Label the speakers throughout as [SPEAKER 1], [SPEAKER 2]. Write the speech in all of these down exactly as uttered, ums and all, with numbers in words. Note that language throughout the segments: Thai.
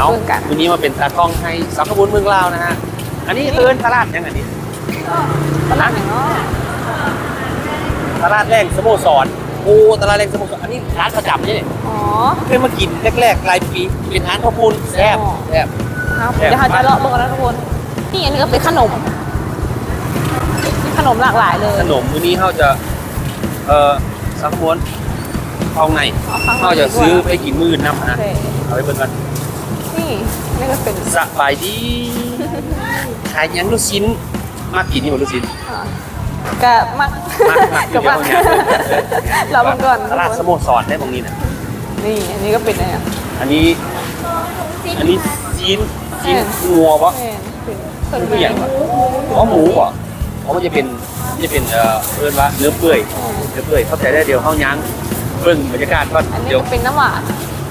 [SPEAKER 1] เอาวันนี้มาเป็นตากล้องให้สังขบุญเมืองลาวนะฮะอันนี้เอิ้นตลาดยังอันนี้
[SPEAKER 2] ตลาดอย่างเนาะ
[SPEAKER 1] ตลาดแรงสโมสรโอ้ตลาดแรงสโมสรอันนี้ร้านประจำนี่
[SPEAKER 2] อ๋อ
[SPEAKER 1] เคยมากินแรกๆรายปีเป็นร้านข้าวปุ้นแซ่บแซ่บ
[SPEAKER 2] ครับเดี๋ยวเราจะเลาะเบิ่งกันนะทุกคนนี่อันนี้ก็เป็นขนมขนมหลากหลายเลย
[SPEAKER 1] ขนมมื้อนี้เขาจะเอ่อสังขบุญเอาไงเขาจะซื้อไปกินมื้อน้ำนะเอาไปเบิ่งกัน
[SPEAKER 2] นี่นี่ก็เป็น
[SPEAKER 1] สบายดีขายยังลูกชิ้นมากกินนี่หมดลูกชิ้น
[SPEAKER 2] กะมัก
[SPEAKER 1] มากมาก
[SPEAKER 2] กะมักเราเบิ่งก่อน
[SPEAKER 1] ตลาดสโมสรได้ตรงนี้นะ
[SPEAKER 2] นี่อันนี้ก็เป็นอะไรอ่ะ
[SPEAKER 1] อันนี้อันนี้ชิ้นชิ้นงัวปะ
[SPEAKER 2] เป็น
[SPEAKER 1] เป็นอย่างปะอ๋อหมูปะอ๋อมันจะเป็นจะเป็นเอ่อเอิ้นว่าเนื้อเปื่อยเนื้อเปื่อยเข้าใจได้เดี๋ยวเข้ายั้งเบิ่งบรรยากาศก่อน
[SPEAKER 2] อันนี้
[SPEAKER 1] เดี๋ยว
[SPEAKER 2] ก็เป็นน้ำหวาน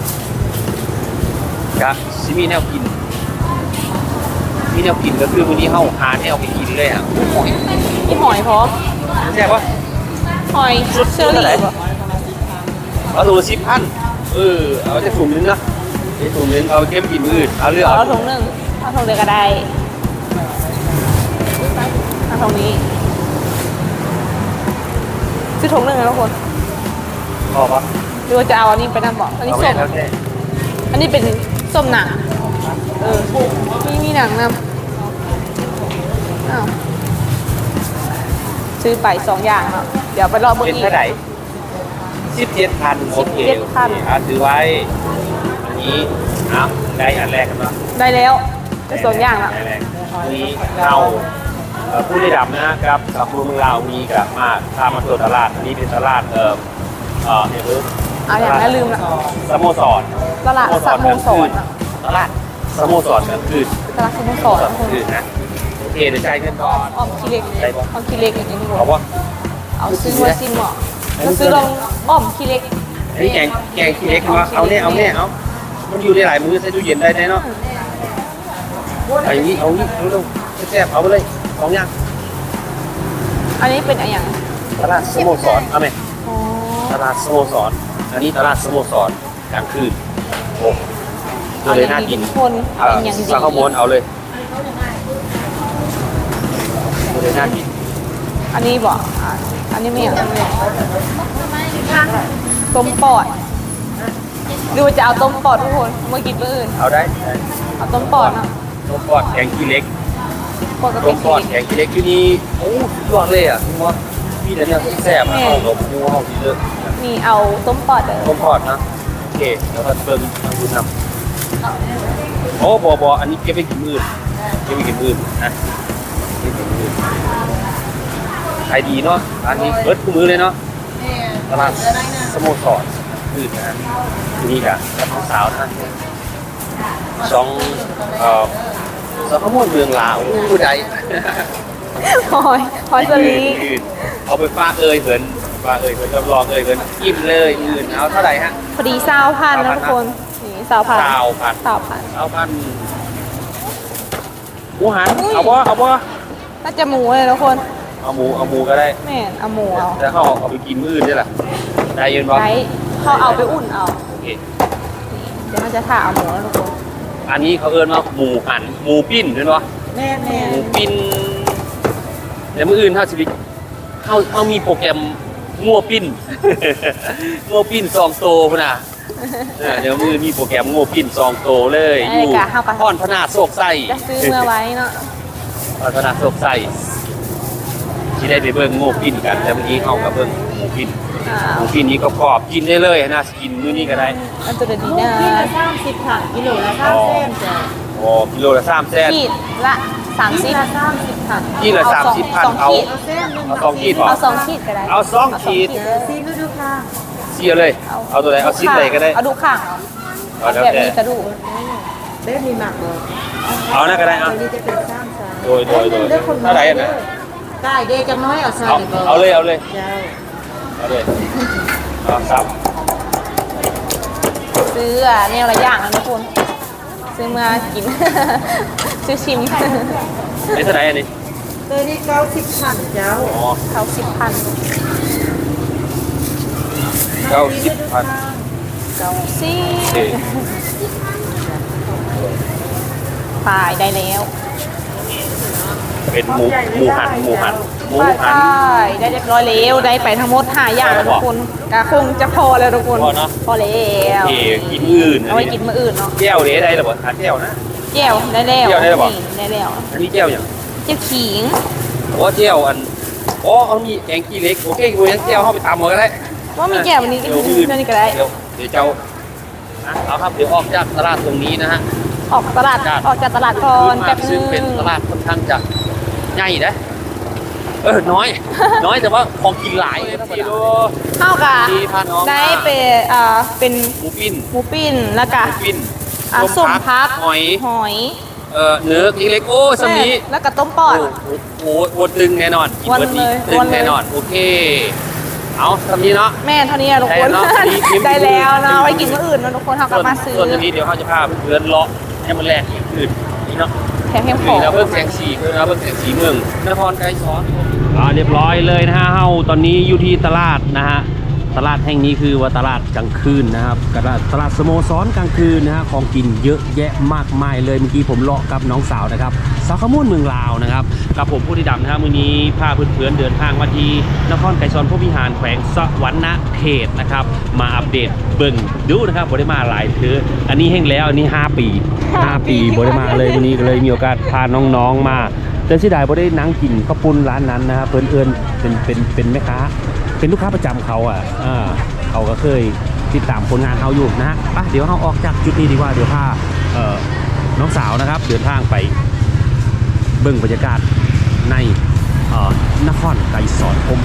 [SPEAKER 1] ครับซิมีแนวกินมีแนวกินก็คือวันนี้เข้าหาแนวไปกินเลยอ่ะ
[SPEAKER 2] มีหอยพร้อม
[SPEAKER 1] แซ่บปะ
[SPEAKER 2] หอยเชอรี่ป่ะ
[SPEAKER 1] เอาถุงสิบพันเออเอาจะถุงนึงนะไอ้ถุงนึงเอาเก็บกินมื้ออื่นเอาเลือก
[SPEAKER 2] เอา
[SPEAKER 1] เอา
[SPEAKER 2] ถุงหนึ่งเอาถุงเดียวก็ได้เอาถุงนี้ซื้อถุงหนึ่งนะทุกคน
[SPEAKER 1] พอปะ
[SPEAKER 2] หรือว่าจะเอาอันนี้ไปนั่นบอกอันนี้
[SPEAKER 1] เอา
[SPEAKER 2] ส้
[SPEAKER 1] แค่
[SPEAKER 2] ม
[SPEAKER 1] แล้วแค่
[SPEAKER 2] อันนี้เป็นส้มหนังเออมีมีหนังนำอ้าวซื้อไปสองอย่างเนาะเดี๋ยวไปรอเบอร์
[SPEAKER 1] เป็น
[SPEAKER 2] อีก
[SPEAKER 1] เท่าไหร่สิบเจ็ดพันโอเค
[SPEAKER 2] สิบเจ็ดพัน
[SPEAKER 1] อ่ะถือไว้อันนี้เอาได้อันแรกกันปะ
[SPEAKER 2] ได้แล้วได้สองอย่างแล้ว
[SPEAKER 1] ได้แรกนี่เอาเอ่อผู้ได้ดำนะครับกับผู้เมืองลาวมีกับมาพามาตรวจตลาดอันนี้เป็นตลาดเอ่อเอ่อเนี่ยคือ
[SPEAKER 2] เอาอย่างนั้นลืมละ
[SPEAKER 1] สโมสร
[SPEAKER 2] ตลาดสโมสรอะ
[SPEAKER 1] ตลาดสโมสรกลางคืน
[SPEAKER 2] ตลาดสโมสร
[SPEAKER 1] กลา
[SPEAKER 2] นะ
[SPEAKER 1] ง
[SPEAKER 2] คุณ
[SPEAKER 1] คืนนะโอเคเดี๋ยวจ่ายเงินก่อน
[SPEAKER 2] อ้อมขี้เล็ก
[SPEAKER 1] ได้ปะ
[SPEAKER 2] อ้อมขี้เล็กอย่างนี้ดีก
[SPEAKER 1] เอา
[SPEAKER 2] ว่า
[SPEAKER 1] ปะ
[SPEAKER 2] เอาซื้อไว้ซิมเหมาะก็ซื้อลงอ้อมขี้เล็ก
[SPEAKER 1] อันนี้แกงแกงขี้เล็กมาเอาเนี่ยเอาเนี่ยเอามันอยู่ได้หลายมื้อใส่ตู้เย็นได้แน่เนาะเอาอย่างนี้เอาอย่างนี้เร็วๆแซ่บๆเอาไปเลยสองอย่าง
[SPEAKER 2] อันนี้เป็นอะไรอย่าง
[SPEAKER 1] ตลาดสโมสรเอาไหม
[SPEAKER 2] อ๋อ
[SPEAKER 1] ตลาดสโมสรอันนี้ตลาดสโมสรกลางคืนโอ้ตัวเลยน่ากิน
[SPEAKER 2] คนเอาอย่างดี
[SPEAKER 1] สั่งข้าวม้วนเอาเลยตัวเลยน่ากิน
[SPEAKER 2] อันนี้บอกอ่ะอันนี้ไม่อย่างต้มปอดหรือว่าจะเอาต้มปอดทุกคนเมื่อกี้เมื่ออื่น
[SPEAKER 1] เอาได้ได้
[SPEAKER 2] เอาต้มปอดเนาะ
[SPEAKER 1] ต้มปอดแกงขี้เล็ก
[SPEAKER 2] ปอดกับ
[SPEAKER 1] ต้
[SPEAKER 2] เป็
[SPEAKER 1] ม
[SPEAKER 2] น
[SPEAKER 1] ปอดแกงขี้เล็กที่นี่โอ้สุดยอดเลยอ่ะคุณว่าพี่แต่เนี่ยแซ่บนะเอาลมมูเอาดีเลย
[SPEAKER 2] นี่เอาต้มปอดเลย
[SPEAKER 1] ต้มปอดนะโอเคแล้วก็เติมทางคุณนำโอ้บอบออันนี้เก็บไปกินมื้อเก็บไปกินมื้อนะเก็บไปกินมื้อขายดีเนาะร้านนี้เปิดคู่มือเลยเนาะตลาดสโมสรคืนนะที่นี่กับกับสาวนะสองเอ่อสองขโมยเมืองลาวผู้ใด
[SPEAKER 2] หอยหอยสลี
[SPEAKER 1] เอาไปฝากเอ่ยเหินฝากเอ่ยเหินจำลองเอ่ยเหินอิ่มเลยอื่นเอาเท่าไหร่ฮะ
[SPEAKER 2] พอดีซาวพันนะทุกคนนี่ซาวพัน
[SPEAKER 1] สาวพัน
[SPEAKER 2] ซาวพัน
[SPEAKER 1] สาวพันหมูหันเอาบ่เอาบ่
[SPEAKER 2] น่าจะหมูเลยทุกคน
[SPEAKER 1] เอาหมูเอาหมูก็ได้
[SPEAKER 2] แม่นเอาหมูเอา
[SPEAKER 1] แต่เขาเอาไปกินมื้ออื่นได้ล่ะได้ยืนบ่
[SPEAKER 2] ไว้เขาเอาไปอุ่นเอา
[SPEAKER 1] โอเค
[SPEAKER 2] เดี๋ยวมันจะถ่าเอาหมูแล้วทุกคน
[SPEAKER 1] อันนี้เขาเอิ้นว่าหมูหันหมูปิ้นเห็นบ่
[SPEAKER 2] แม่แม่
[SPEAKER 1] หมูปิ้นเดี๋ยวมื้ออื่นเฮาสิไปเฮาเฮามีโปรแกรมงัวปิ้น งัวปิ้นสองโตพุ่นน่ะเออเดี๋ยวมื้อมีโปรแกรมงัวปิ้นสองโตเลยอยู่พรพนาโศกไส้
[SPEAKER 2] จะซื้อเมื่อไว้เนาะ
[SPEAKER 1] พรพนาโศกไส้ที่ได้ไปเบิ่งงัวปิ้นกันแต่เมื่อกี้เฮาก็เบิ่งหมูปิ้น
[SPEAKER 2] อ่า
[SPEAKER 1] หมูปิ้นนี้ก็กรอบกินได้เลยนะกินมื้อนี้ก็ได้
[SPEAKER 2] อันตัวดีนะ
[SPEAKER 3] กิโลละสามสิบค่ะกิโลละสามเส้นจ้ะ
[SPEAKER 1] อ๋อกิโลละสามแสน
[SPEAKER 2] ขีดละสามสิบ
[SPEAKER 3] ละสามสิบค่ะ
[SPEAKER 1] นี่ละสามสิบพัน
[SPEAKER 2] สอง
[SPEAKER 1] เอา
[SPEAKER 2] ขีด
[SPEAKER 3] เอาเส้นหนึ่ง
[SPEAKER 1] เอาสองขีดพอ
[SPEAKER 2] เอาสองขีดก็ได้
[SPEAKER 1] เอาสองขีด
[SPEAKER 3] เดี๋ยวซีดูดูค่ะ
[SPEAKER 1] เสียเลย เอาตัวไหนเอาชิ้นไหนก็ได้
[SPEAKER 2] เอาดูข้าง
[SPEAKER 1] เอาแล้ว
[SPEAKER 2] แบบ
[SPEAKER 1] แต่
[SPEAKER 2] นี้กระดูก
[SPEAKER 3] เส้นมีหมักเลย
[SPEAKER 1] เอานะก็ได้
[SPEAKER 3] ตั
[SPEAKER 1] เอา
[SPEAKER 3] วนี้จะเป็นสามสาม
[SPEAKER 1] โดยโดยโดย
[SPEAKER 3] เลือกคน
[SPEAKER 1] เท่าไหร่อะนะ
[SPEAKER 3] ได้เด็กจะน้อยเอาใส่
[SPEAKER 1] เอา
[SPEAKER 3] ดีกว่า
[SPEAKER 1] เอาเลยเอาเลย
[SPEAKER 3] เจ้า
[SPEAKER 1] เอาเลยเอาสับ
[SPEAKER 2] ซื้ออ่ะแนวละอย่างนะทุกคนซื้อมากิน ซื้อชิม
[SPEAKER 1] นี่เท่าไหร่อันนี้
[SPEAKER 3] ตัวนี้เก้าสิบพันเจ้า
[SPEAKER 1] อ๋อ
[SPEAKER 2] เขาสิบพัน
[SPEAKER 1] เก้าสิบพัน
[SPEAKER 2] เก้าสิ
[SPEAKER 1] โอเค
[SPEAKER 2] บตายได้แล้ว
[SPEAKER 1] เป็นหมูหมูหันหมูหันหมู
[SPEAKER 2] ไป
[SPEAKER 1] หัน
[SPEAKER 2] ได้เรียบร้อยแล้วได้ไปทั้งหมดห้าอย่างแล้วทุกคนกะคงจะพอแล้วทุกคน
[SPEAKER 1] พอเนอะ
[SPEAKER 2] พอแล้ว
[SPEAKER 1] โอเคกินอื่น
[SPEAKER 2] เอาไว้กินมื้ออื่นเนาะ
[SPEAKER 1] แก้วเด้ได้หรือเปล่าทานแก้วนะ
[SPEAKER 2] แก้วได้แล้ว
[SPEAKER 1] แก้วได้แล้วเหรอ
[SPEAKER 2] นี่ได้แล้ว
[SPEAKER 1] อันนี้แก้วอย่าง
[SPEAKER 2] เจ้าขิง
[SPEAKER 1] โอ้แก้วอันอ๋อเอามีแกงขี้เล็กโอเคกูยังแก้วเข้าไปตามหมดก็ได้
[SPEAKER 2] ว่ามีแก้ววันนี้ก็
[SPEAKER 1] เดี๋ยว
[SPEAKER 2] กิน
[SPEAKER 1] อื่น
[SPEAKER 2] เท่านี้ก็ได้
[SPEAKER 1] เดี๋ยวเดี๋ยวเจ้าอ่ะเอาครับเดี๋ยวออกจากตลาดตรงนี้นะฮะ
[SPEAKER 2] ออกตลาด
[SPEAKER 1] จ้ะ
[SPEAKER 2] ออกจากตลาดก่อน
[SPEAKER 1] มา
[SPEAKER 2] แป๊บนึ
[SPEAKER 1] ซึ่ง
[SPEAKER 2] ง
[SPEAKER 1] เป็นตลาดค่อนข้างจะใหญ่นะเออน้อย น้อยแต่ว่าของกินหลายกิโล
[SPEAKER 2] เข้ากะ
[SPEAKER 1] ดีพาน้อง
[SPEAKER 2] ได้เป็นอ่าเป็น
[SPEAKER 1] หมูปิ้น
[SPEAKER 2] หมูปิ้นแล้วก็
[SPEAKER 1] หมูปิ้น
[SPEAKER 2] อ่าส้มพัก
[SPEAKER 1] หอย
[SPEAKER 2] หอย
[SPEAKER 1] เอ่อเนื้อขี้เล็กโอ้สมี
[SPEAKER 2] แล้วก็ต้มปอด
[SPEAKER 1] โอ้โหโอ้โหตึงแน่นอนกิน
[SPEAKER 2] วัน
[SPEAKER 1] เบิร์ดนี้
[SPEAKER 2] เลย
[SPEAKER 1] ตึ
[SPEAKER 2] วั
[SPEAKER 1] ง
[SPEAKER 2] นเลย
[SPEAKER 1] แน่นอนโอเค เอาสำนี้เนาะ
[SPEAKER 2] แม่เท่านี้อะทุกคน
[SPEAKER 1] ได้แล้วเนาะมีมี
[SPEAKER 2] ได้แล้วเนาะไว้กินมื้ออื่นเนาะทุกคนเขากลับมาซื้อ
[SPEAKER 1] ส่วนนี้เดี๋ยวเขาจะพาเพื่อนเลาะให้มันแรกอีกอื่นนี่เนาะ
[SPEAKER 2] แถมแถมข
[SPEAKER 1] นี่
[SPEAKER 2] อง
[SPEAKER 1] นะเพิ่งแสงสีเพิ่งนะเพิ่งแสงสีเมืองนครไกรสอนอ่าเรียบร้อยเลยนะฮะเฮาตอนนี้อยู่ที่ตลาดนะฮะตลาดแห่งนี้คือว่าตลาดกลางคืนนะครับตลาดตลาดสโมสรกลางคืนนะฮะของกินเยอะแยะมากมายเลยเมื่อกี้ผมเลาะกับน้องสาวนะครับสาวขมูลเมืองลาวนะครับกับผมผู้ที่ดำนะฮะมื้อนี้พาเพื่อนๆเดินทางมาที่นครไกรสอนพระวิหารแขวงสวรรณเขตนะครับมาอัปเดตเบิ่งดูนะครับบริมาหลายเทืออันนี้แห้งแล้วอันนี้ห้าปีห้าปีบริมาเลยวันนี้ก็เลยมีโอกาสพาน้องๆมาแต่เสียดายบ่ได้นั่งกินข้าวปุ้นร้านนั้นนะครับเพื่อนเอิญเป็นเป็นเป็นแม่ค้าเป็นลูกค้าประจำเขาอ่ะอ่าเขาก็เคยติดตามผลงานเขาอยู่นะฮะไปเดี๋ยวเราออกจากจุดนี้ดีกว่าเดี๋ยวพาเอ่อน้องสาวนะครับเดินทางไปเบิ่งบรรยากาศในเอ่อนครไกรสอนผม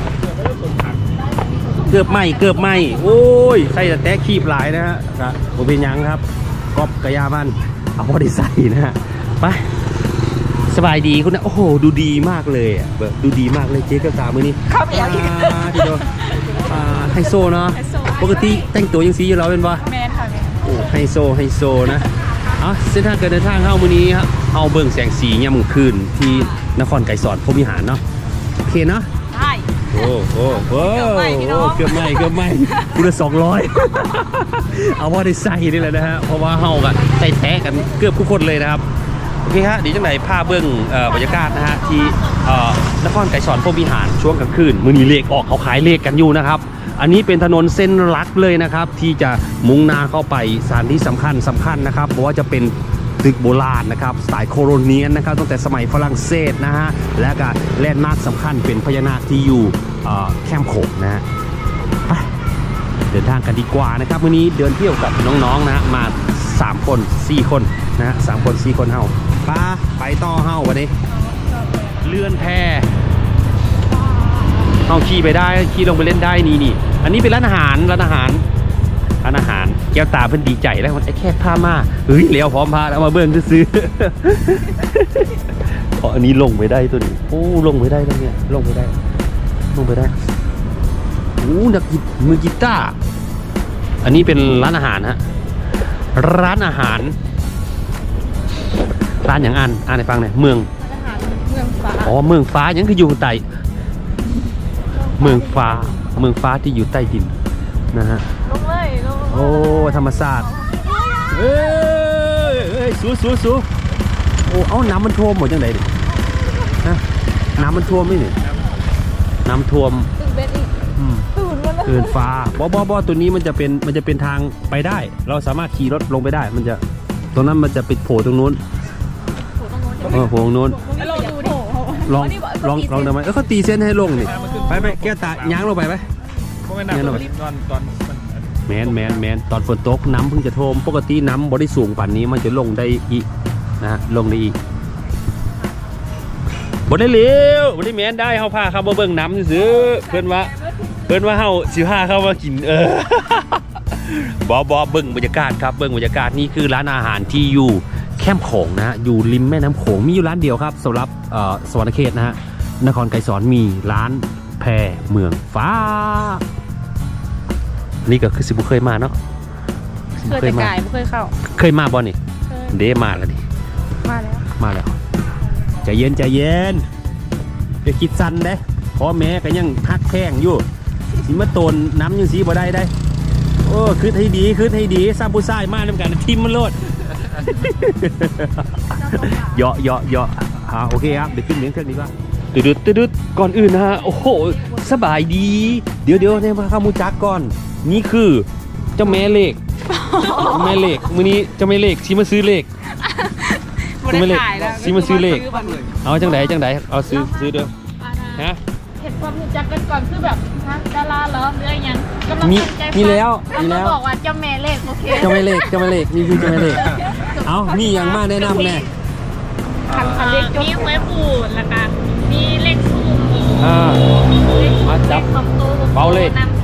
[SPEAKER 1] เกือบไหมเกือบไหมโอ้ยใส่แต่แตะคีบหลายนะฮะครับผมเป็นหยังครับกอบกระยามันเอาพอได้ใส่นะฮะไปสบายดีคุณนะโอ้โหดูดีมากเลยอ่ะแบบดูดีมากเลยเจ๊กับสาวมือนี้
[SPEAKER 2] เข้าไปอย่างนี้
[SPEAKER 1] อ่าที่โดนอ่าไฮโซเนาะปกติแต่งตัวยังสีอยู่แล้วเป็นปะ
[SPEAKER 2] แมนค่ะแมน
[SPEAKER 1] โอ้ไฮโซไฮโซนะเอาเส้นทางการเดินทางเข้ามือนี้ครับเอาเบิ่งแสงสียามมื้อคืนที่นครไกรสอนพรหมวิหารเนาะโอเคเนาะ
[SPEAKER 2] ใช่
[SPEAKER 1] โอ้โอ้โอ้
[SPEAKER 2] เกือบไหม้พี่น้อง
[SPEAKER 1] เกือบไหม่เกือบไหม่กูละสองร้อยเอาว่าได้ใส่นี่แหละนะฮะเพราะว่าเฮากันใส่แท้กันเกือบทุกคนเลยนะครับโอเคฮะเดียวจังไหนภาพเบื้องเอ่อบรรยากาศนะฮะที่เอ่อนครไกรสอนพรหมวิหารช่วงกลางคืนมื้อนี้เลขออกเขาขายเลขกันอยู่นะครับอันนี้เป็นถนนเส้นหลักเลยนะครับที่จะมุ่งหน้าเข้าไปสถานที่สำคัญสำคัญนะครับเพราะว่าจะเป็นตึกโบราณนะครับสไตล์โคโลเนียนนะครับตั้งแต่สมัยฝรั่งเศสนะฮะและก็แลนด์มาร์คสำคัญเป็นพญานาคที่อยู่เอ่อแคมป์โขงนะฮะไปเดินทางกันดีกว่านะครับวันนี้เดินเที่ยวกับน้องๆนะมาสามคนสี่คนนะฮะสามคนสี่คนเฮาไปไปต่อเฮาวันนี้เลื่อนแพเฮาขี่ไปได้ขี่ลงไปเล่นได้นี่นี่อันนี้เป็นร้านอาหารร้านอาหารร้านอาหารแก้วตาเพิ่นดีใจแล้วมันไอ้แค่ผ้ามาเฮ้ยเลี้ยวพร้อมพาแล้วมาเบิ่งซื้อเพราะอันนี้ลงไปได้ตัวนี้โอ้ลงไปได้แล้วเนี่ยลงไปได้ลงไปได้โอ้นักกีมือกีตาร์อันนี้เป็นร้านอาหารฮะร้านอาหารร้านอย่างอ่านอ่านให้ฟังหน่อยเมือง
[SPEAKER 2] อาหารเมืองฟ้า
[SPEAKER 1] อ๋อเมืองฟ้ายังคืออยู่ใต้เมืองฟ้าเมืองฟ้าที่อยู่ใต้ดินนะฮะ
[SPEAKER 2] ลงเลยลง
[SPEAKER 1] โอ้ธรรมศาสตร์เอ้ยเอ้ยสู้สู้สู้โอ้เอาน้ำมันท่วมหมดจังไดดินะน้ำมันท่วมไหมนี่น้ำท่วม
[SPEAKER 2] ตึงเบ็ดอีก
[SPEAKER 1] อืม
[SPEAKER 2] ตื่นมาแล้ว
[SPEAKER 1] เกินฟ้าบอบอบอตัวนี้มันจะเป็นมันจะเป็นทางไปได้ เราสามารถขี่รถลงไปได้ มันจะตรงนั้นมันจะปิดโผล่ตรงนู้นเออโผล่ตรงนู้น
[SPEAKER 2] แล้วเราดูดิ
[SPEAKER 1] ลองลองลองทำไมเออเขาตีเส้นให้ลงนี่ไปไปแก้วตาย้างลงไปไหม
[SPEAKER 4] เพราะไม่นานตอนตอนตอนมัน
[SPEAKER 1] แมนแมนแมนตอนฝนตกน้ำเพิ่งจะท่วมปกติน้ำบริสูงป่านนี้มันจะลงได้อีกนะฮะลงได้อีกบได้เลี้ยวบได้แมนได้เขาพาเขามาเบิ่งน้ำซื้อเพื่อนว่าเพื่อนว่าเขาสิพาเขามากินเออบอบอเบิ่งบรรยากาศครับเบิ่งบรรยากาศนี่คือร้านอาหารที่อยู่แคมป์โขงนะฮะอยู่ริมแม่น้ำโขงมีอยู่ร้านเดียวครับสำหรับเอ่อสวรรณเขตนะฮะนครไกรสอนมีร้านแพเมืองฟ้านี่ก็คือสิบุเคยมาเนาะ
[SPEAKER 2] เคยแต่กายไม่เคยเข้า
[SPEAKER 1] เคยมาบ่นี่
[SPEAKER 2] เคย
[SPEAKER 1] เดมาแล้วดิ
[SPEAKER 2] มาแล้ว
[SPEAKER 1] มาแล้วใจเย็นใจเย็นอย่าคิดสั้นเด้เพราะแม่ก็ยังฮักแพงอยู่สิมาโตนน้ำยังสีบ่ได้ได้โอ้คืดให้ดีคืดให้ดีซ้ำผู้ชายมาน้ำกันทิมมันโลดเหยาะเหยาะเหยาะอ่าโอเคครับเดี๋ยวขึ้นเลี้ยงเครื่องนี้ว่าตึ๊ดตึ๊ดตึ๊ดก่อนอื่นนะฮะโอ้โหสบายดีเดี๋ยวเดี๋ยวเนี่ยมาข้ามูจักก่อนนี่คือเจ้าแม่เลขแม่เลขมื้อนี้เจ้าแม่เลขชี้มาซื้อเลข
[SPEAKER 2] ไม่ได้ขายแล้ว
[SPEAKER 1] ซีมาซื้อเลขเอาจังไดจังไดเอาซื้อซื้อเด้อฮะ
[SPEAKER 2] เห็นความรู้จักกันก่อนคือแบบฮะดาราเหรอหรืออะไรยังกำลัง
[SPEAKER 1] มี
[SPEAKER 2] สนใจ
[SPEAKER 1] มีแล้วมี
[SPEAKER 2] มี
[SPEAKER 1] แล้ว
[SPEAKER 2] บอกว่าเจ้าแม่เลขโอเค
[SPEAKER 1] เจ้าแม่เลขเจ้าแม่เลขนี่คือเจ้าแม่เลขเอามีอย่างมาแนะนำแน่
[SPEAKER 2] คันคันเลขมีไว้ปูดแล้วก็มีเลขสูง
[SPEAKER 1] อ่า
[SPEAKER 2] เลข
[SPEAKER 1] มาจับ
[SPEAKER 2] สองตัว
[SPEAKER 1] เบาเลย
[SPEAKER 2] นำ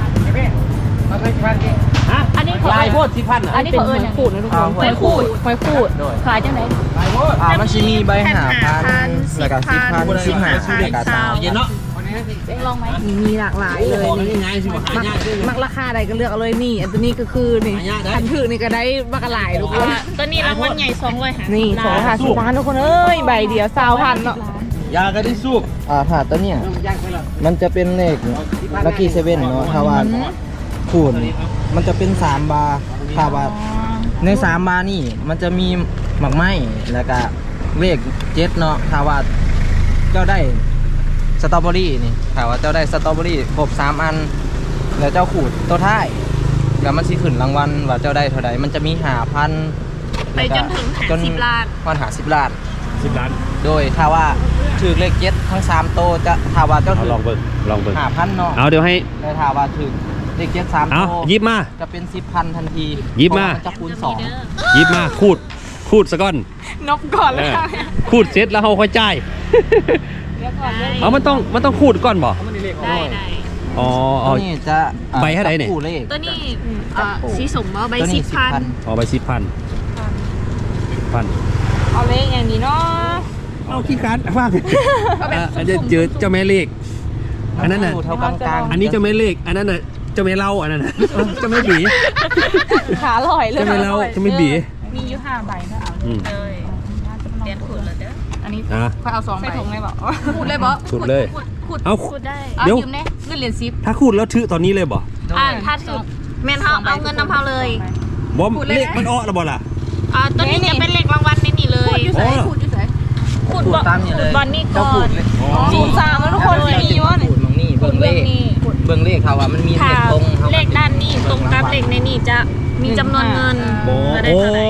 [SPEAKER 1] ฮะ
[SPEAKER 2] อันนี้เขา
[SPEAKER 1] ลายโพดสิพัน
[SPEAKER 2] อันนี้เขาเอิญอย่างขูดนะทุกคนหอยขูดหอยขูดขายจังไหน
[SPEAKER 5] อ่ามันจะมีใบหาพันแล้วก็สิบพันสิบหาแล้วก็สาม
[SPEAKER 1] เย็นเนาะ
[SPEAKER 2] เองลองไหม
[SPEAKER 3] มีหลากหลายเลย
[SPEAKER 1] นี่ไงสิบ่หายากด้วย
[SPEAKER 3] มักราคาใดก็เลือกเอาเลยนี่ อันตัวนี้ก็คือนี่
[SPEAKER 1] หายากได้
[SPEAKER 3] คันถือนี่ก็ได้บักหลายทุกคน
[SPEAKER 2] ตัวนี้รางวัลใหญ่สองร้อยห้าสิบ
[SPEAKER 3] นี่สองค่ะสิบล้านทุกคนเอ้ยใบเดียวสาวพันเนาะ
[SPEAKER 1] ยาก็ได้สู้
[SPEAKER 5] อ่าถาดตัวเนี้ยมันจะเป็นเลขลัคกี้เซเว่นเนาะถ้าว่าคูณมันจะเป็นสามบาร์ถ้าว่าในสามบาร์นี่มันจะมีหมักไม้แล้วก็เลขเจ็ดเนาะถ้าว่าเจ้าได้สตรอเบอรี่นี่ถ้าว่าเจ้าได้สตรอเบอรี่ครบสามอัน แล้วเจ้าขูดตัวท้ายแล้วมันสิขึ้นรางวัลว่าเจ้าได้เท่าใดมันจะมีหาพัน
[SPEAKER 2] ไปจนถึงหาสิบล้าน
[SPEAKER 5] พันหาสิบล้าน
[SPEAKER 1] สิบล้าน
[SPEAKER 5] โดยถ้าว่าถือเลขเจ็ดทั้งสามโตวจะถ้าว่าเจ้า
[SPEAKER 1] เอา
[SPEAKER 5] ถือ
[SPEAKER 1] ลองเบิ่งลองเบิ่ง
[SPEAKER 5] หาพันเนาะ
[SPEAKER 1] เอาเดี๋ยวให้
[SPEAKER 5] แต่ถ้าว่าถือเลขเจ็ดสาม
[SPEAKER 1] เอา
[SPEAKER 5] โตว
[SPEAKER 1] หยิบมา
[SPEAKER 5] จะเป็นสิบพันทันที
[SPEAKER 1] หยิบมา
[SPEAKER 5] เพระนจะคูณสอง
[SPEAKER 1] หยิบมาคูดคูดซะก่อน
[SPEAKER 2] นบก่อนเลย
[SPEAKER 1] เออคูดเสร็จแล้วเขาค่อยจ่าย
[SPEAKER 2] เดี๋ยวก่อนเลย
[SPEAKER 1] เอามันต้องมันต้องคูดก่อนบ่
[SPEAKER 2] ได้ได้
[SPEAKER 1] อ๋อ
[SPEAKER 5] ตั
[SPEAKER 1] เอา
[SPEAKER 5] วนี้จะอ่อ
[SPEAKER 1] ใบเท่าไหร่เนี่ย
[SPEAKER 5] จับคู่เลข
[SPEAKER 2] ตัวนี้อ่าสีสมว่าใบ
[SPEAKER 5] ตัว
[SPEAKER 2] สิ
[SPEAKER 5] นี้
[SPEAKER 2] บ
[SPEAKER 5] สิบ
[SPEAKER 2] พัน
[SPEAKER 5] พัน
[SPEAKER 1] เอาไปสิบพันสิบพัน
[SPEAKER 2] เอาเลขอย่างนี้เนาะ
[SPEAKER 1] เอาขี้การฟังอันนี้เจอเจ้าแม่เลขอันนั้นน่ะ
[SPEAKER 5] คู่เท่ากลางๆ
[SPEAKER 1] อันนี้เจ้าแม่เลขอันนั้นน่ะเจ้าแม่เล่าอันนั้นน่ะเจ้าแม่บี
[SPEAKER 2] ขาลอยเลย
[SPEAKER 1] เจ้าแม่เล่าเจ้าแม่บี
[SPEAKER 2] มีอยู่ห้าใบนะเอา
[SPEAKER 1] อืม
[SPEAKER 2] เลยเรียนขูดเลยเด้ออันนี้
[SPEAKER 1] อ่ะ
[SPEAKER 2] ค่อยเอาสองใบใส่ถุงเลยบอกขูดเลยบอ
[SPEAKER 1] ขูดเลย
[SPEAKER 2] ขูด
[SPEAKER 1] เอา
[SPEAKER 2] ขูดได้
[SPEAKER 1] เดี๋ยว
[SPEAKER 2] ยืมเนี่ยเงินเหรียญซิป
[SPEAKER 1] ถ้าคูดแล้วถือตอนนี้เลยบ่
[SPEAKER 2] อ่าถ้าถือแมนเขาเอาเงินนำเขาเลย
[SPEAKER 1] บอมเลขมันอ้อแล้วบ่ล่ะ
[SPEAKER 2] อ่าตัวนี้จะเป็นเลขรางวัลในนี่เลย
[SPEAKER 1] อ๋อ
[SPEAKER 2] ขูดอยู่ไหนขูด
[SPEAKER 5] ขูด
[SPEAKER 2] บอล
[SPEAKER 5] ตามนี่เลย
[SPEAKER 2] บอลนี่ก่
[SPEAKER 5] เจ้า
[SPEAKER 2] อ
[SPEAKER 5] ขู
[SPEAKER 2] น
[SPEAKER 5] ดเลย
[SPEAKER 2] ศูนย์สามแล้วทุกคนไม่มีวะ
[SPEAKER 5] ขูดมองนี่เบิ่งเลข
[SPEAKER 2] นี่
[SPEAKER 5] เบิ่งเลขเขาว่ามันมีเล
[SPEAKER 2] ถ้า
[SPEAKER 5] ขตรงเขา
[SPEAKER 2] เลขด้านนี้ตรงกับเลขในนี่จะมีจำนวนเงิน
[SPEAKER 1] โอ้
[SPEAKER 2] จะได้
[SPEAKER 1] โอ้
[SPEAKER 2] เท่าไหร่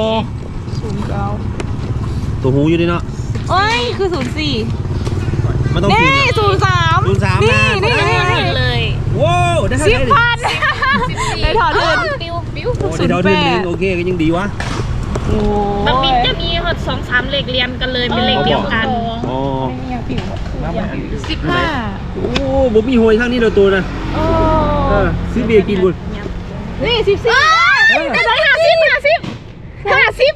[SPEAKER 1] ตัวหูอยู่ดิเนาะ
[SPEAKER 2] เอ้ยคือศูนย์สี่
[SPEAKER 1] มันต้อง
[SPEAKER 2] นี่
[SPEAKER 1] คูด
[SPEAKER 2] ศูนย์สาม
[SPEAKER 1] ศูนย์สามนะ
[SPEAKER 2] นี่นี่นี่เลย
[SPEAKER 1] ว้าวได้เท่า
[SPEAKER 2] สิบ
[SPEAKER 1] ไหร่
[SPEAKER 2] พันได้ถอดเงินปิ้วปิ้ว
[SPEAKER 1] โอ้ได้เท่าทุนนึงโอเคก็ยังดีวะ
[SPEAKER 2] มันมีจะมีหมดสองสามเลขเรียนกันเลยเป็นเลขเดียวกัน
[SPEAKER 1] อ๋อ
[SPEAKER 2] สิบห้า
[SPEAKER 1] โอ้บ่มีหวยทางนี้เราตัวนะเออซื้อเบียร์กินบุญ
[SPEAKER 2] นี่สิบสี่ได้ร้อยห้าสิบห้าสิบห้าสิบ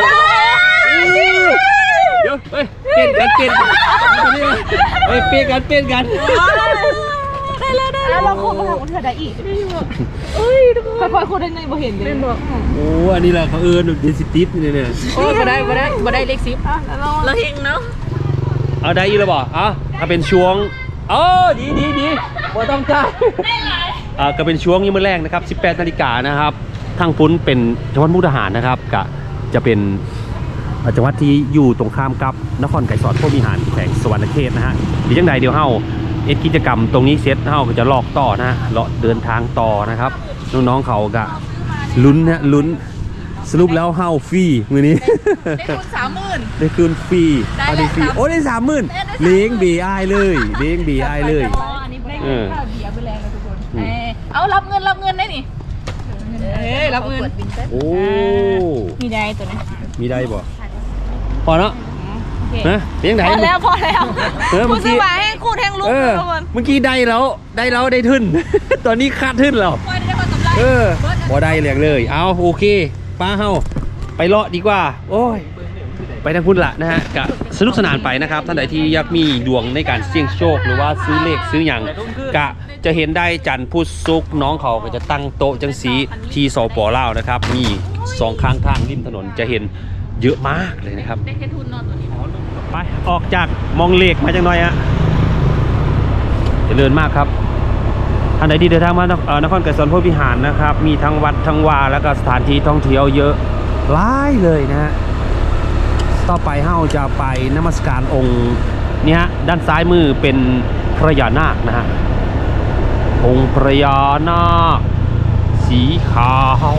[SPEAKER 1] เดี๋ยวเฮ้ยเปลี่ยนกันเปลี่ยนกันเฮ้ยเปลี่ยนกันเปลี่ยนกัน
[SPEAKER 2] ได้แล้วได้แล้วเราคงมาทำกันเถอะได้อีกเอ้ยค่อยๆคนได้ไงบ่เห็นเลยบอก
[SPEAKER 1] โอ้อันนี้แหละเขาเอิญเดนซิติสเนี่ยเนี่ย
[SPEAKER 2] โอ้บ่ได้บ่ได้บ่ได้เลขสิบเราเฮงเนาะ
[SPEAKER 1] เอาได้อีแล้วบ่อ่ะถ้าเป็นช่วงเออดีดีดีบ่ต้องจ่ายอ่าก็เป็นช่วงยี่มื้อแรกนะครับสิบแปดนาฬิกานะครับทางฟุ้นเป็นจังหวัดมุกดาหารนะครับก็จะเป็นจังหวัดที่อยู่ตรงข้ามกับนครไกรสอนพวกมีหารแขวงสวรรณเขตนะฮะดีจังใดเดี๋ยวเฮาเอ็ดกิจกรรมตรงนี้เสร็จเฮาก็จะลอกต่อนะฮะเลาะเดินทางต่อนะครับน้องๆเขาก็ลุ้นนะลุ้นสรุปแล้วเฮาฟรีมื้อนี้
[SPEAKER 2] ได้คูณสามหมื่น
[SPEAKER 1] ได้คืนฟรี
[SPEAKER 2] ได้
[SPEAKER 1] เอา
[SPEAKER 2] เลย
[SPEAKER 1] ได้ฟรี
[SPEAKER 2] ครับ
[SPEAKER 1] โอ้ได้สามหมื่นเลี้ยงบีไอเลยเลี้ยงบีไอเลย
[SPEAKER 2] อันนี้ได้
[SPEAKER 1] เออ
[SPEAKER 2] ข้าวเบียร์ไปแล้วนะทุกคน
[SPEAKER 1] อืม
[SPEAKER 2] เอ้ยเอารับเงินรับเงินได้นี่เอ้ยรับเงิน
[SPEAKER 1] โอ้
[SPEAKER 2] มีได้ตัวนี้
[SPEAKER 1] มีได้บ่พอเนาะ
[SPEAKER 2] โอเค
[SPEAKER 1] นะเลี้ยงไหน
[SPEAKER 2] พอแล้วพอแล้ว
[SPEAKER 1] เออเมื่
[SPEAKER 2] คู
[SPEAKER 1] อ
[SPEAKER 2] ณ
[SPEAKER 1] กี้
[SPEAKER 2] สบายให้คูณแทงลูก
[SPEAKER 1] เออ
[SPEAKER 2] ทุกคน
[SPEAKER 1] เมื่อกี้ได้แล้วได้แล้วได้ทึน ตอนนี้คาดทึนแล้ว
[SPEAKER 2] คอยได้คนกำไร
[SPEAKER 1] เออบ่ได้เลี้ยงเลยเอาโอเคป้าเฮาไปเลาะดีกว่า โอ้ยไปทางพุ่นละนะฮะกะสนุกสนานไปนะครับท่านใดที่อยากมีดวงในการเสี่ยงโชคหรือว่าซื้อเลขซื้ออย่างกะจะเห็นได้จันทร์พุธศุกร์น้องเขาก็จะตั้งโต๊ะจังสีที่สปลาวนะครับมีสองข้างทางริมถนนจะเห็นเยอะมากเลยนะครับ
[SPEAKER 2] ได้แค่ทุนนอนตัวนี้
[SPEAKER 1] ไปออกจากมองเลขมาจังหน่อยฮะเจริญมากครับท่านใดที่เดินทางมานครเอ่อนครไกรสอนพวกวิหารนะครับมีทั้งวัดทั้งวาแล้วก็สถานที่ท่องเที่ยวเยอะหลายเลยนะฮะต่อไปเฮาจะไปนมัสการองค์นี่ฮะด้านซ้ายมือเป็นพระยานาคนะฮะองค์พระยานาคสีขาว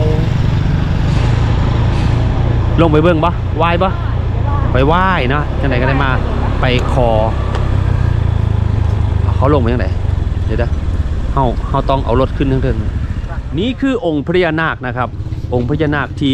[SPEAKER 1] ลงไปเบิ่งปะไหว้ปะไปไหว้นะจังไหนก็ได้มาไปคอเขาลงไปยังไงเดี๋ยวนะเฮาเฮาต้องเอารถขึ้นเทิงๆนี่คือองค์พญานาคนะครับองค์พญานาคที่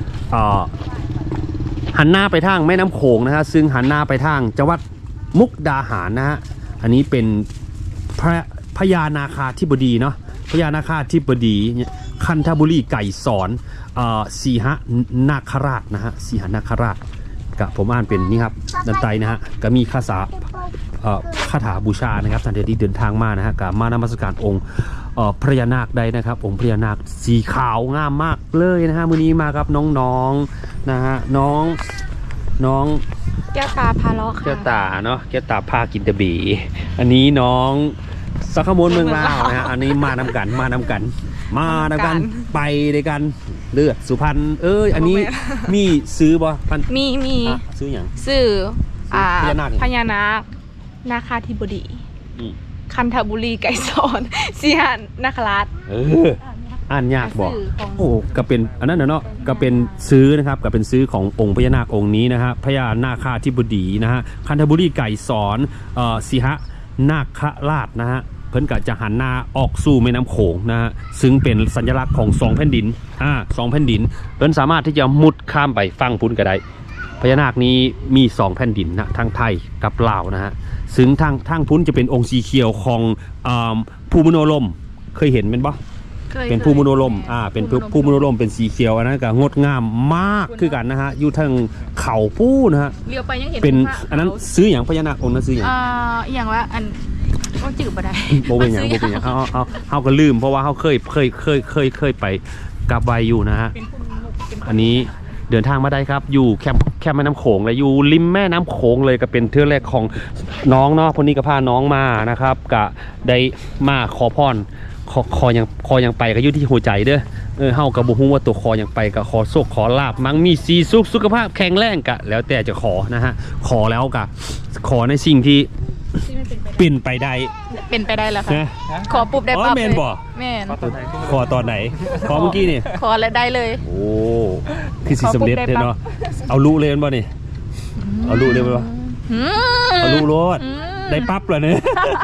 [SPEAKER 1] หันหน้าไปทางแม่น้ำโขงนะฮะซึ่งหันหน้าไปทางจังหวัดมุกดาหารนะฮะอันนี้เป็นพระพญานาคาธิบดีเนาะพญานาคาธิบดีคันธบุรีไก่สอนสีหนาคราชนะฮะสีหนาคราชกับผมอ่านเป็นนี่ครับดันไตนะฮะก็มีคาถาคาถาบูชานะครับท่านที่เดินทางมานะฮะกับมานมัสการองค์พญานาคได้นะครับองค์พญานาคสีขาวงามมากเลยนะฮะมื้อนี้มากับน้องๆนะฮะน้องน้อง
[SPEAKER 2] แก้วตาพาเลาะค่ะ
[SPEAKER 1] แก้วตาเนาะแก้วตาพากินตะบีอันนี้น้องสักขมลเมืองลาวนะฮะอันนี้มานำกันมานำกัน มานำกันไปด้วยกันเลือดสุพรรณเอ้ยอันนี้มีซื้อบ่พัน
[SPEAKER 2] มีมี
[SPEAKER 1] อ่ะซื้ออย่าง
[SPEAKER 2] สื่ออ่า
[SPEAKER 1] พญานาค
[SPEAKER 2] พญานาคนาคาธิบดี
[SPEAKER 1] อืม
[SPEAKER 2] คันธบุรีไก่สอนสีหนาคราช
[SPEAKER 1] เอออ่านยากบอก
[SPEAKER 2] สื่อของ
[SPEAKER 1] โอ้ก็เป็นอันนั้นนะเนาะก็เป็นซื้อนะครับก็เป็นซื้อขององค์พญานาคองค์นี้นะฮะพญานาคาธิบดีนะฮะคันธบุรีไก่สอนเอ่อสีหนาคราชนะฮะเพิ่นก็จะหันหน้าออกสู่แม่น้ำโขงนะฮะซึ่งเป็นสัญลักษณ์ของสองแผ่นดินอ่าสองแผ่นดินเพิ่นสามารถที่จะมุดข้ามไปฝั่งพุ้นก็ได้พญานาคนี้มีสองแผ่นดินนะทางไทยกับลาวนะฮะซึ่งทางทางพุ้นจะเป็นองค์สีเขียวของอ่าภูมิโนลมเคยเห็นเป็นปะเป็นภูมิโนลมอ่าเป็นภูมิโนลมเป็นสีเขียวอันนั้นก็งดงามมากคือกันนะฮะอยู่ทางเขาปู้นะฮะ
[SPEAKER 2] เลี้ยวไปยังเห็น
[SPEAKER 1] เป็น
[SPEAKER 2] พระ
[SPEAKER 1] อันนั้นซื้ออย่างพญานาคองค์นั้นซื้ออย่าง
[SPEAKER 2] อ่าอหย่างว่าอันต้องจืดบ่ได้
[SPEAKER 1] โบเป็นอย่างโบเป็นอย่างเขาเขาเขาก็ลืมเพราะว่าเขาเคยเคยเคยเคยเคยไปกราบไหว้อยู่นะฮะอันนี้เดินทางมาได้ครับอยู่แคมป์แคมป์แม่น้ำโขงเลยอยู่ริมแม่น้ำโขงเลยก็เป็นเทือกแรกของน้องเนาะพวกนี้ก็พาน้องมานะครับก็ได้มาขอพรคอคอยังคอยังไปก็อยู่ที่หัวใจเด้อเออเฮากับบุฮู้ว่าตัวคอยังไปก็ขอโชคขอลาบมั่งมีสีสุขสุขภาพแข็งแรงกะแล้วแต่จะขอนะฮะขอแล้วกะขอในสิ่งที่เป็นไปได้
[SPEAKER 2] เป็นไปได้แล้วค่ะ
[SPEAKER 1] นะ
[SPEAKER 2] ขอปุ๊บได้
[SPEAKER 1] อ๋อ
[SPEAKER 2] ปั๊บ
[SPEAKER 1] แม่นบ่
[SPEAKER 2] แม่น
[SPEAKER 1] ขอตอนไหนขอเมื่อกี้นี่
[SPEAKER 2] ขอแล้วได้เลย
[SPEAKER 1] โอ้คือสิสำเร็จเลยเนาะเอาลูเลยมันบ่นี่เอาลูเลยมันบ่
[SPEAKER 2] อืม
[SPEAKER 1] เอาลูโลด
[SPEAKER 2] อืม
[SPEAKER 1] ได้ปั๊บเลยเนี่ย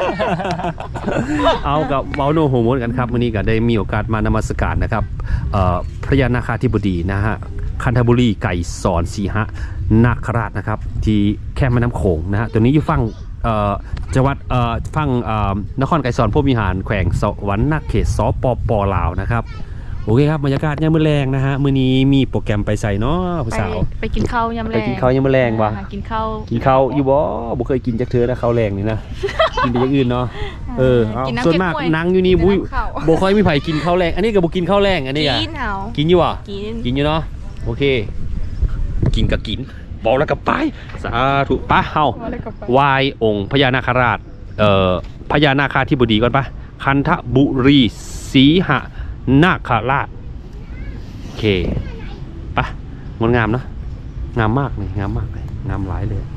[SPEAKER 1] เอากับเมาโนโฮโมนกันครับวันนี้ก็ได้มีโอกาสมานมัสการนะครับพระยานาคาธิบดีนะฮะคันธบุรีไก่สอนสีหนาคราชนะครับที่แคมป์แม่น้ำโขงนะฮะตัวนี้อยู่ฝั่งจังหวัดฝั่งนครไก่สอนพวกวิหารแขวงสวรรค์เขตสปปลาวนะครับโอเคครับบรรยากาศยามมื้อแรงนะฮะมื้อนี้มีโปรแกรมไปใส่เนาะผู้สาว
[SPEAKER 2] ไปกินข้าวยำแรง
[SPEAKER 1] ไปกินข้าวยามมื้อแรงวะ
[SPEAKER 2] หากินข้าว
[SPEAKER 1] กินข้าวอยู่บ่บ่เคยกินจักเทื่อนะข้าวแรงนี่นะ กินแต่อย่างอื่นเนาะเออเอา
[SPEAKER 2] กินน้ำ
[SPEAKER 1] ส่วนมาก
[SPEAKER 2] เก๊กฮวย
[SPEAKER 1] นั่งอยู่นี่บุ้ย
[SPEAKER 2] กินน้ำข้าว
[SPEAKER 1] บ่ค่อยมีไผกินข้าวแรงอันนี้ก็บ่กินข้าวแรงอันนี้อ่ะ
[SPEAKER 2] กินเอา
[SPEAKER 1] กินอยู่อ่ะ
[SPEAKER 2] กิน
[SPEAKER 1] กินอยู่เนาะโอเค กินก็กินบอกแล้วก็ไปสาธุปะเฮาไหว้องค์พญานาคราชเอ่อพญานาคาธิบดีก่อนปะคันธบุรีสีหนาคราชโอเคปะงดงามเนาะงามมากเลยงามมากเลยงามหลายเลย